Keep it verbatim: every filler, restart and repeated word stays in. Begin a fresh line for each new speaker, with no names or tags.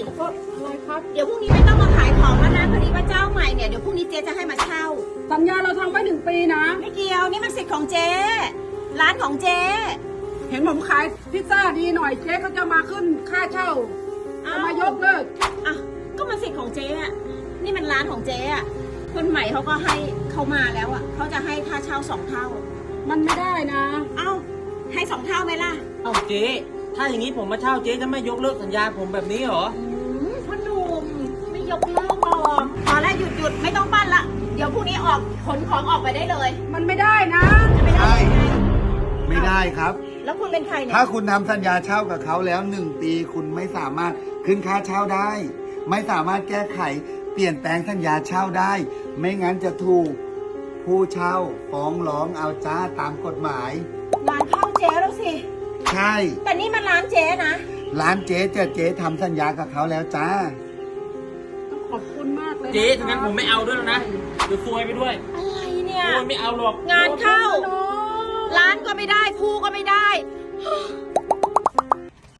อะไรครับ
เดี๋ยวพรุ่งนี้ไม่ต้องมาขายของแล้วนะพอดีว่าเจ้าใหม่เนี่ยเดี๋ยวพรุ่งนี้เจ๊จะให้มาเช่า
สัญญาเราทำไว้หนึ่งปีนะ
ไม่เกี่ยวนี่มันสิทธิ์ของเจ๊ร้านของเจ๊
เห็นผมขายพิซซ่าดีหน่อยเจ๊ก็จะมาขึ้นค่าเช่าจะมายกเลิก
อ่ะก็มันสิทธิ์ของเจ๊อะนี่มันร้านของเจ๊อะคนใหม่เขาก็ให้เขามาแล้วอะเขาจะให้ค่าเช่าสองเท่า
มันไม่ได้นะ
เอ้าให้สองเท่าไหมล่ะ
เอ้าเจ๊ถ้าอย่างนี้ผมมาเช่าเจ๊จะไม่ยกเลิกสัญญาผมแบบนี้เหรอ
อืมพ่อหนุ่มไม่ยกเลิกหรอกพอแล้วหยุดหยุดไม่ต้องปั้นละเดี๋ยวพรุ่งนี้ออกขนของออกไปได้เลย
มันไม่ได้นะ
ไม่ได้ยังไง
ไม่ได้ครับ
แล้วคุณเป็นใครเนี่ย
ถ้าคุณทำสัญญาเช่ากับเขาแล้วหนึ่งปีคุณไม่สามารถขึ้นค่าเช่าได้ ไม่สามารถแก้ไขเปลี่ยนแปลงสัญญาเช่าได้ ไม่งั้นจะถูกผู้เช่าฟ้องร้องเอาจ้าตามกฎหมาย
ร้านข้าวเจ๊แล้วสิ
ใช่
แต่นี่มันร้านเจ๊นะ
ร้านเจ๊เจ๊เจ๊ทำสัญญากับเขาแล้วจ้า
ขอบคุณมากเลย
เจ๊ถ้างั้นผมไม่เอาด้วยแล้วนะเดี๋ยวซวยไปด้วย
อะไรเนี่ย
โอ้ยไม่เอาหรอก
งานเข้า
น้อง
ร้านก็ไม่ได้คู่ก็ไม่ได้